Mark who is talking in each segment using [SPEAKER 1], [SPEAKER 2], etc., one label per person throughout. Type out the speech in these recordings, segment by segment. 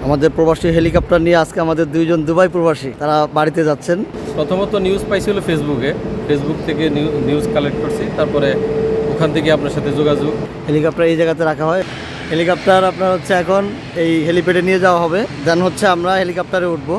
[SPEAKER 1] আমাদের প্রবাসী হেলিকপ্টার নিয়ে আজকে আমাদের দুইজন দুবাই প্রবাসী তারা বাড়িতে যাচ্ছেন।
[SPEAKER 2] প্রথমত নিউজ পাইছিল ফেসবুক থেকে নিউজ কালেক্ট করছি, তারপরে ওখান থেকে আপনার সাথে যোগাযোগ।
[SPEAKER 1] হেলিকপ্টার এই জায়গাতে রাখা হয়। হেলিকপ্টার আপনার হচ্ছে এখন এই হেলিপ্যাডে নিয়ে যাওয়া হবে, দেন হচ্ছে আমরা হেলিকপ্টারে উঠবো।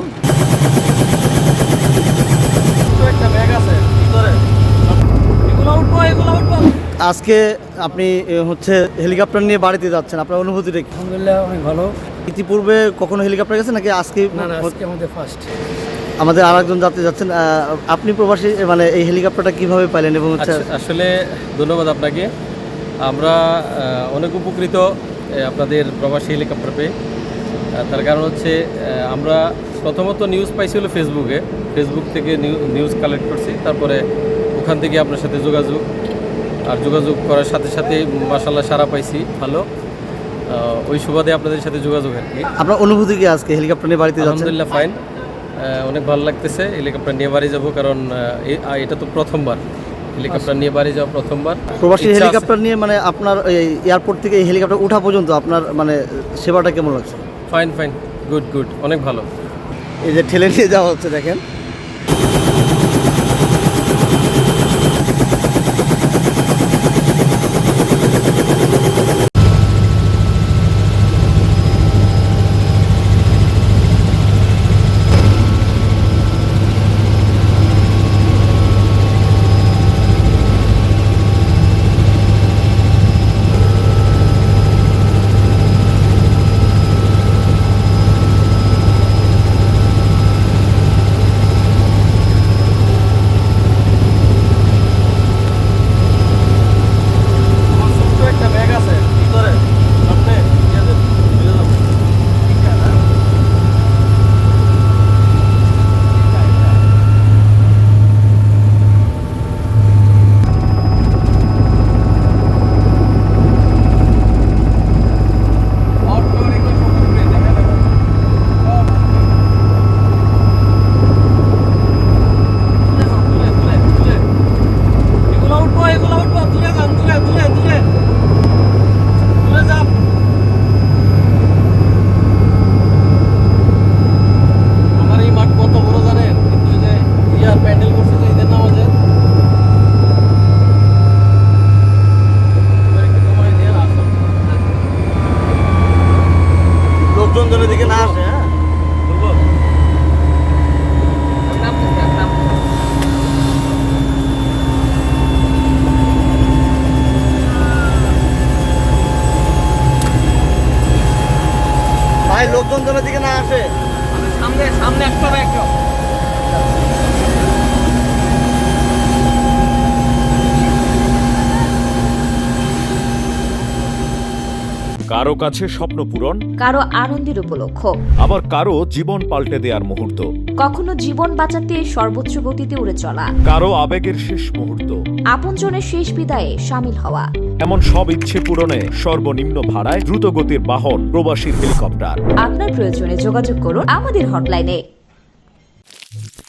[SPEAKER 1] আজকে আপনি হচ্ছে হেলিকপ্টার নিয়ে বাড়িতে যাচ্ছেন, আপনার অনুভূতিটা কি?
[SPEAKER 3] আলহামদুলিল্লাহ অনেক ভালো।
[SPEAKER 1] ইতিপূর্বে কখনো হেলিকপ্টার গেছেন নাকি আজকে?
[SPEAKER 3] না আজকে আমাদের ফার্স্ট।
[SPEAKER 1] আমাদের আরেকজন যাত্রী যাচ্ছেন। আপনি প্রবাসী, মানে এই হেলিকপ্টারটা কিভাবে পাইলেন এবং হচ্ছে?
[SPEAKER 2] আসলে ধন্যবাদ আপনাকে। আমরা অনেক উপকৃত আপনাদের প্রবাসী হেলিকপ্টার পেয়ে। তার কারণ হচ্ছে আমরা প্রথমত নিউজ পাইছিল ফেসবুক থেকে নিউজ কালেক্ট করছি, তারপরে ওখান থেকে আপনার সাথে যোগাযোগ করার সাথে সাথে মাশাআল্লাহ সারা পাইছি ভালো। ওই সুবাদে আপনাদের সাথে যোগাযোগ আর কি।
[SPEAKER 1] আপনার অনুভূতি কি আজকে হেলিকপ্টার নিয়ে বাড়িতে যাচ্ছেন?
[SPEAKER 2] আলহামদুলিল্লাহ ফাইন, অনেক ভালো লাগতেছে। হেলিকপ্টার নিয়ে বাড়ি যাব, কারণ এটা তো প্রথমবার হেলিকপ্টার নিয়ে বাড়ি যাওয়া, প্রথমবার
[SPEAKER 1] প্রবাসী হেলিকপ্টার নিয়ে। মানে আপনার এয়ারপোর্ট থেকে এই হেলিকপ্টার ওঠা পর্যন্ত আপনার মানে সেবাটা কেমন লাগছে?
[SPEAKER 2] ফাইন, গুড, অনেক ভালো।
[SPEAKER 1] এই যে ঠেলে নিয়ে যাওয়া হচ্ছে, দেখেন। লোকজনের দিকে না আসে। ভাই লোকজনের দিকে না আসে,
[SPEAKER 3] সামনে একটা।
[SPEAKER 4] কারো কাছে স্বপ্ন পূরণ,
[SPEAKER 5] কারো আনন্দের উপলক্ষ,
[SPEAKER 4] আবার কারো জীবন পাল্টে দেওয়ার মুহূর্ত,
[SPEAKER 5] কখনো জীবন বাঁচাতে সর্বোচ্চ গতিতে উড়ে চলা,
[SPEAKER 4] কারো আবেগের শেষ মুহূর্ত,
[SPEAKER 5] আপনজনের শেষ বিদায়ে সামিল হওয়া।
[SPEAKER 4] এমন সব ইচ্ছে পূরণে সর্বনিম্ন ভাড়ায় দ্রুত গতির বাহন প্রবাসীর হেলিকপ্টার।
[SPEAKER 5] আপনার প্রয়োজনে যোগাযোগ করুন আমাদের হটলাইনে।